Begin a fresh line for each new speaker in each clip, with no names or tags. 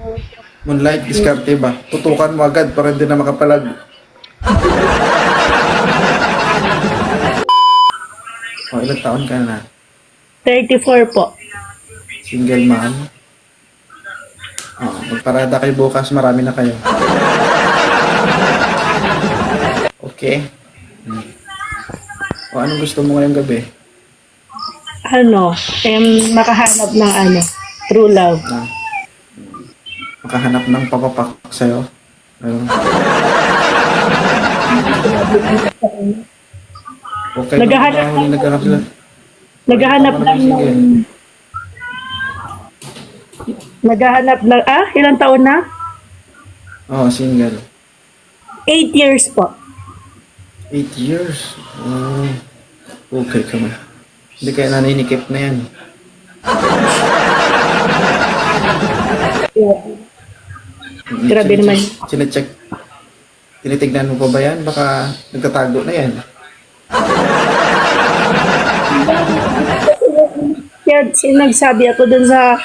Moonlight, diskarte ba? Tutukan mo agad para hindi na makapalag. O, ilang taon ka na?
34 po.
Single mom? Oh, magparada kayo bukas, marami na kayo. Okay? O, anong gusto mo ngayong gabi?
Makahanap ng true love.
Na, makahanap ng papapak sa'yo? Ayun. Okay,
Naghahanap
huli naghanap sila.
Naghahanap lang ng... Naghahanap lang... ilang taon na?
Oo, single.
8 years po.
8 years? Okay ka man. Hindi kaya naninikip na yan.
Yeah. Grabe naman.
Sinecheck. Tinitignan mo pa ba yan? Baka nagtatago na yan.
Kaya nagsabi ako dun sa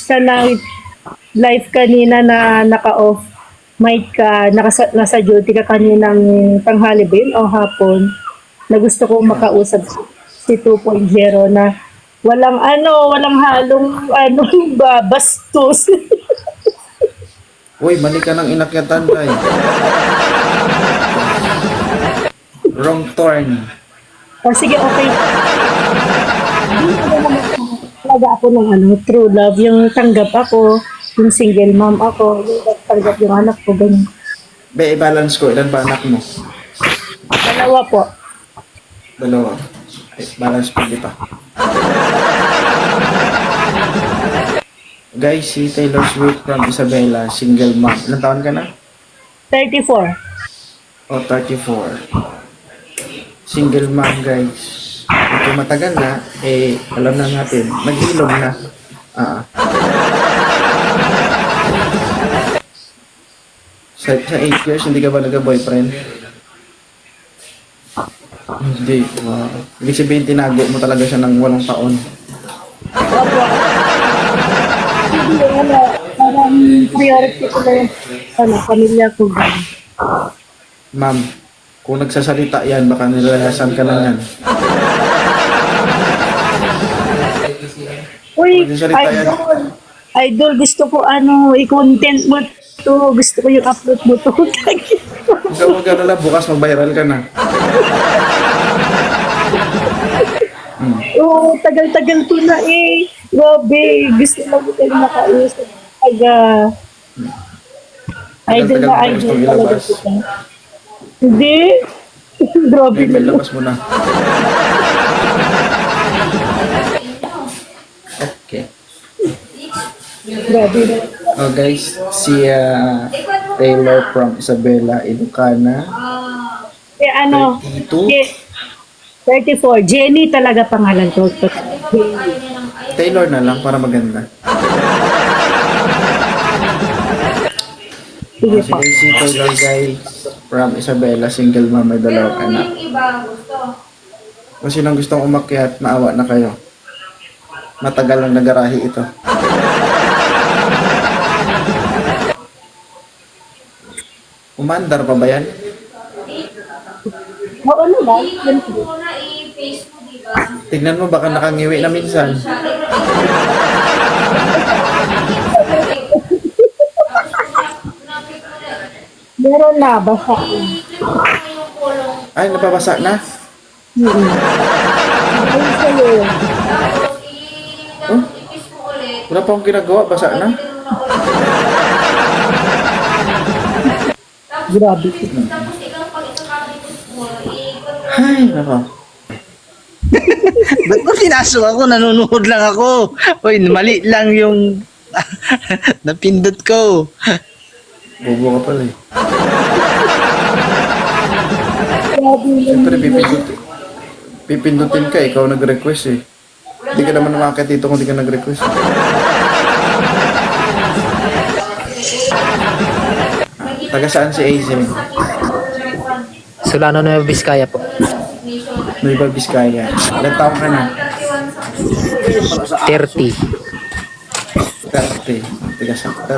live kanina na naka-off mic ka, nasa duty ka kaninang tanghali ba yun o hapon, na gusto ko makausap si 2.0 na walang halong bastos.
Uy, mali ka ng inakyatan, guy. Wrong turn.
O sige, okay. Talaga ako ng true love, yung tanggap ako, yung single mom ako, yung tanggap yung anak ko, ganyan.
Be, i-balance ko. Ilan ba anak mo?
2 po.
2. Ay, balance pa, di pa. Guys, si Taylor Swift from Isabela, single mom. Ilan taon ka na?
34.
O, 34. Single mom, guys. Kung matagal na, alam na natin, nag-ilong na. Sa 8 years, hindi ka ba nagka-boyfriend? Hindi. Wow. Ibig sabihin, tinago mo talaga siya ng 8 taon.
Opo. Hindi, parang priority ko na yung pamilya ko.
Ma'am, kung nagsasalita yan, baka nilalayasan ka na yan.
Uy,
Nagsasalita yan.
idol, gusto ko i-content mo to. Gusto ko yung upload mo to. Thank you.
Huwag ka na lang, bukas mag-viral ka na.
Oo, tagal-tagal ko na eh. Grabe, gusto lang ko kayo makausap. Idol
Tagal-tagal
na
mo
idol
gustong
talaga
ilabas.
kita. Hindi. Grabe
May
na.
labas mo na. Okay.
Grabe na.
Oh guys, si Taylor from Isabela, Ilocana. 32.
34. Jenny talaga pangalan ko.
Taylor na lang para maganda.
Sige
Si
po.
Taylor guys from Isabela, single mom, may 2 anak. Kung sinong gustong umakyat, maawa na kayo. Matagal lang nagarahi ito. Umandar pa ba yan?
Oo naman.
Tignan mo, baka nakangiwi na minsan.
Meron na. Basta.
Ay, napabasa na?
Ayun sa'yo.
Oh, wala pa akong ginagawa, basa na?
Grabe.
Ay, nako.
Ba't mo pinasok ako? Nanonood lang ako. Uy, mali lang yung napindot ko.
Bobo ka pala eh.
Grabe yun.
Siyempre, pipindutin ka, ikaw nag-request eh. Hindi ka naman umakit dito kung hindi ka nag-request. Taga saan si Aizen?
Solano Nueva Vizcaya po.
Nueva Vizcaya. Ilan taong ka na?
30.
30. Tiga sakter.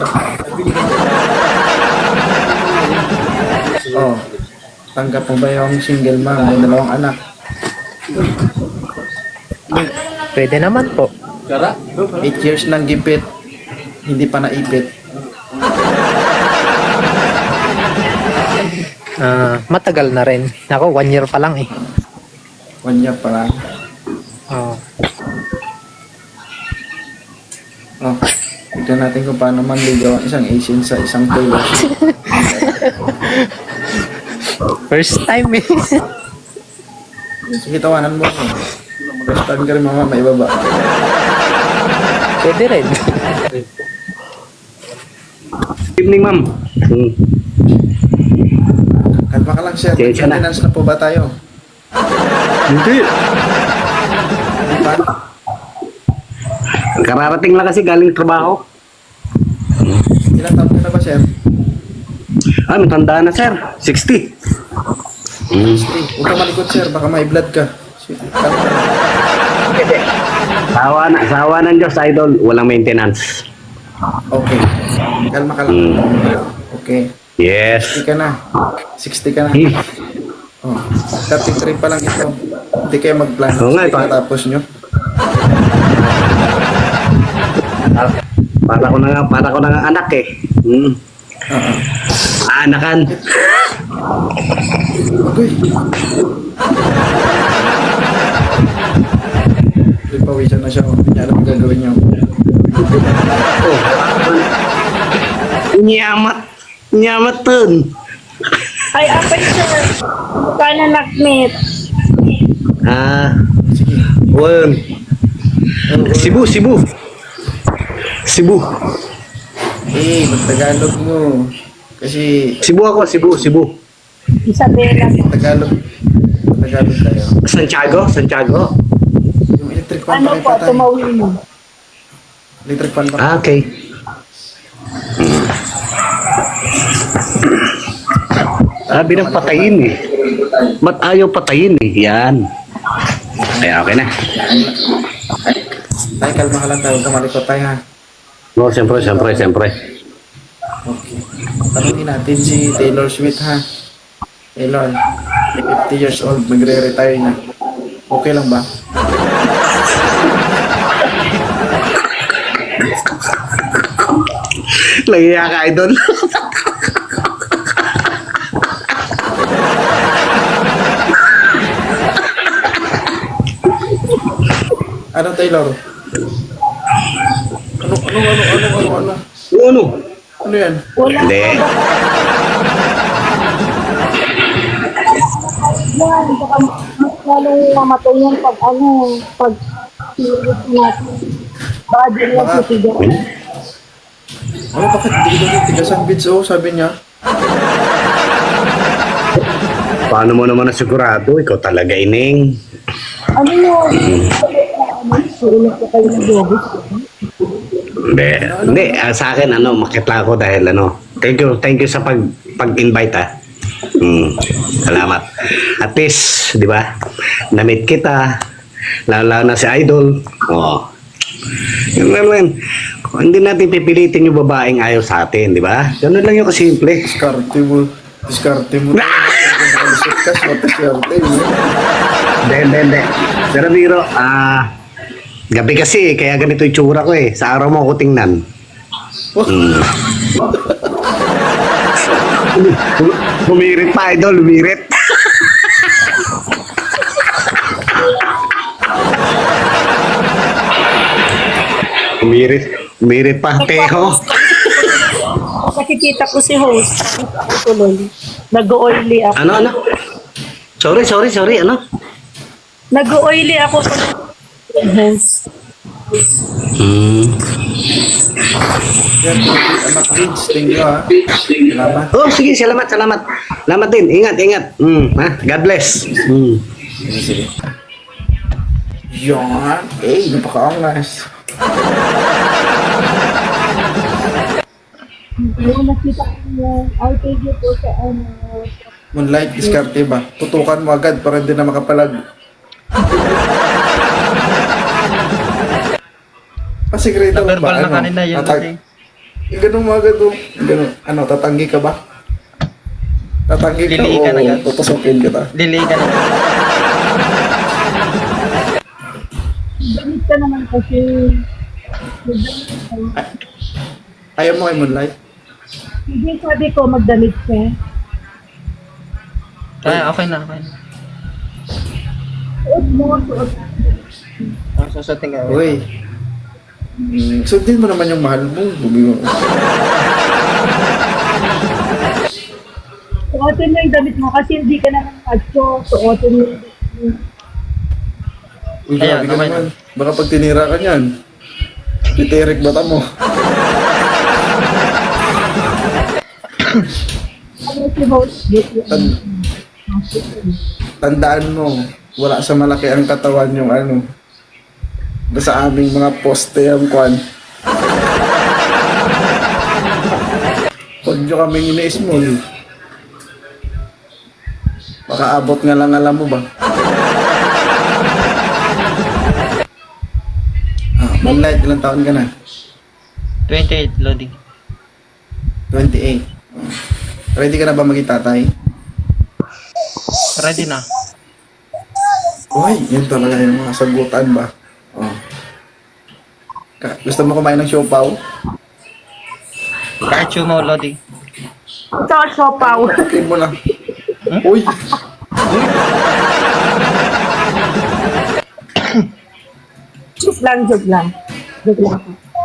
Oh, tanggap mo ba yung single mom, may dalawang anak?
Pwede naman po.
8 years nang gipit, hindi pa naipit.
Matagal na rin. Ako, 1 year pa lang eh.
1 year pa lang.
Oo.
Oh, tignan natin kung paano manligaw ang isang Asian sa isang Taylor Swift.
First time eh.
Sige, tawanan mo. Mag-stand ka rin mama, may baba.
Pwede rin.
Good evening, ma'am.
Kalma ka lang, sir.
Sige, na.
Maintenance na po ba tayo?
Hindi.
Hindi pa?
Kararating lang kasi galing trabaho.
Ilang taon ka na ba, sir?
Matanda na, sir. 60.
Huwag ka malikot, sir. Baka may blood ka.
Sawa ng Diyos, idol. Walang maintenance.
Okay. Kalma ka lang. Okay. 60
Yes.
ka na. 60 ka na.
Hmm.
Oh, 33 pa lang ito. Hindi kayo mag-plan.
Oo nga, ito.
Tapos nyo.
Para ko na nga anak eh. Anakan.
Okay. Pawisan na siya. Hindi niya alam ang gagawin niyo.
Nyamat dun.
Ay, apa sir? Kana nakmit.
Sige.
Well, Cebu.
Mag-Tagalog mo. Kasi
Cebu ako, Cebu.
Isabela.
Tagalog tayo.
Santiago.
Yung electric fan
Ano po,
pakita tayo.
tumawin mo.
Electric fan pa.
Okay. Sabi ng patayin eh. Ba't ayaw patayin eh? Yan. Kaya okay na.
Tay, kalma ka lang tayo. Huwag ka malikot tayo, ha.
No, siyempre.
Okay. Tanungin natin si Taylor Swift, ha. Taylor, 50 years old, magre-retire na. Okay lang ba?
Lagiya ka, idol.
Ano, Taylor? Ano?
Ano?
Ano yan?
Wala.
Hindi.
Yan, baka mas lalong mamatay yung pag serious natin. Baka din lang
Baka-
titigan.
Ano, bakit? Hindi ko tigasan bits, oh, sabi niya.
Paano mo naman nasigurado? Ikaw talaga, Ining.
Ano yun? Suulit ko kayo ng bobis.
Hindi. Sa akin, makita ako dahil thank you sa pag-invite, ah. Salamat. At least, di ba? Na-meet kita. Lalo na si Idol. Oh. Yun naman. Hindi natin pipilitin yung babaeng ayaw sa atin, di ba? Ganun lang yung kasimple.
Diskarte mo. Kas, matiskarte mo.
Hindi. Pero biro, gabi kasi, kaya ganito yung tsura ko eh. Sa araw mo ako tingnan. Humirit pa, idol, humirit. Humirit pa, teho.
Nakikita ko si host. Ako tuloy. Nag-oily ako.
Ano? Sorry,
Nag-oily ako sa host.
Yan, anak kids, thank you, ha. Salamat.
Oh, sige, salamat. Salamat din, ingat. God bless.
Yan. Napakaangas.
Yung nakita ko yung outage po sa
Moonlight, diskarte ba? Tutukan mo agad para hindi na makapalag. Pasigredo mo ba?
Verbal na kanina yun kasi.
Ganun mga ganun. Ganun. Ano, tatanggi ka ba? Tatanggi ka
Lili ka na
o
yan.
tutusukin kita?
Delay ka na.
Damit ka naman kasi.
Ayaw mo kay Moonlight?
Hindi sabi ko magdamit ka.
Ay, okay na, okay na.
Suot mo, suot.
Susutin ka.
Uy. Sundin mo naman yung mahal mo. Bugi mo.
Suotin mo yung damit mo kasi hindi ka naman macho. Suotin mo yung damit mo.
Uy, grabe
Ayan,
ka
okay
naman. Baka pag tinira ka niyan, titirik bata mo.
Ano si host?
Tan- Tandaan mo, wala sa malaki ang katawan yung ano. Sa aming mga poste yung kwan. Huwag nyo kaming ini-small. Baka abot nga lang alam mo ba? Moonlight, ilang taon ka na?
28, loading.
28. Ready ka na ba maging tatay?
Ready na.
Uy, yun talaga yung mga sagutan ba? Oh. Gusto mo kumain ng siopaw?
Kahit sumo, loading.
Ito, siopaw.
Okay mo lang. Uy!
Joke lang, joke lang. Joke lang.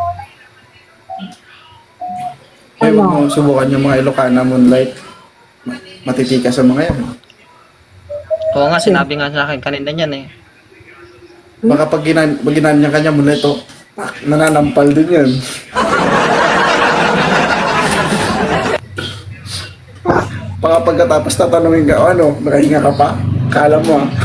Kaya huwag mo subukan yung mga Ilocana Moonlight. Matitika sa mga yan.
Oo nga, sinabi nga sa akin kanina yan eh.
Baka pag ginanya ka niya Moonlight, oh, nananampal din yan. Baka pagkatapos tatanungin ka, oh, ano, nakahinga ka pa? Kala mo ah.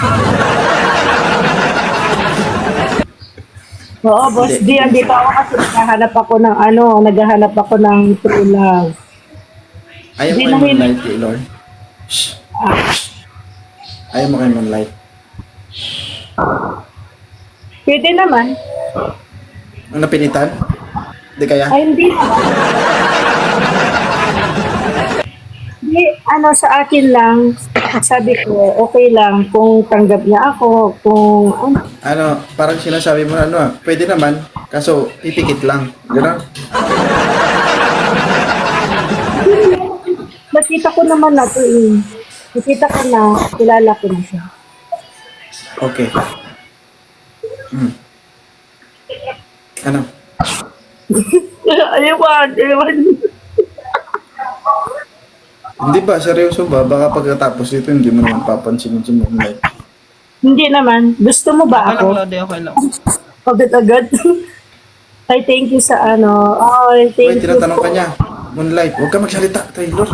Oo, boss D, andito ako kasi naghahanap ako ng true love.
Ayaw mo
Hindi
kay
namin-
Moonlight, kay Lord. Shh. Ayaw mo kay Moonlight.
Pwede naman.
Ang napilitan? Hindi kaya?
Ay, hindi naman. Hindi, sa akin lang, sabi ko, okay lang kung tanggap niya ako, kung
Ano, parang sinasabi mo na ano ah, pwede naman, kaso ipikit lang. Gano'n?
nakita ko naman na to eh. Nakita ko na, kilala ko na siya.
Okay. Ano?
Ayawan.
Hindi ba? Seryoso ba? Baka pagkatapos dito, hindi mo naman papansinin si Moonlight.
Hindi naman. Gusto mo ba
Okay lang,
ako?
loading, okay lang.
Agad-agad. Ay, thank you sa ano. Ay,
Uy,
thank you.
tinatanong ka niya. Moonlight, huwag ka magsalita, Taylor.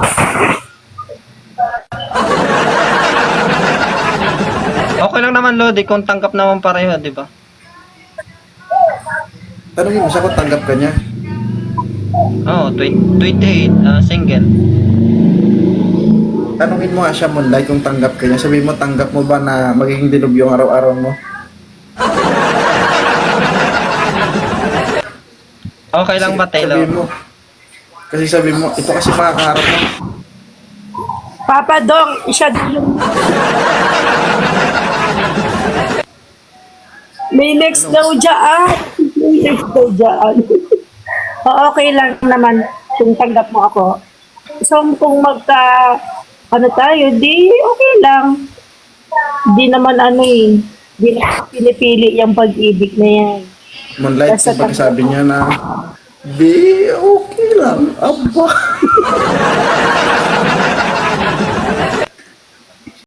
Okay lang naman, loading, kung tanggap naman pareho, di ba?
Tanongin mo siya kung tanggap ka niya.
Oo, 28, single.
Tanongin mo nga siya, Moonlight, kung tanggap ka niya. Sabihin mo, tanggap mo ba na magiging dinog yung araw-araw mo?
Okay lang ba, Taylor?
Sabihin mo. Kasi sabihin mo, ito kasi makakaharap mo.
Papa Dong, siya din yung... May next daw dyan. May next daw dyan. Okay lang naman kung tanggap mo ako. So, kung tayo, di okay lang. Di naman di na pinipili yung pag-ibig na yan.
Moonlight,
Basta
yung pagsabi niya na, di, okay lang. Aba.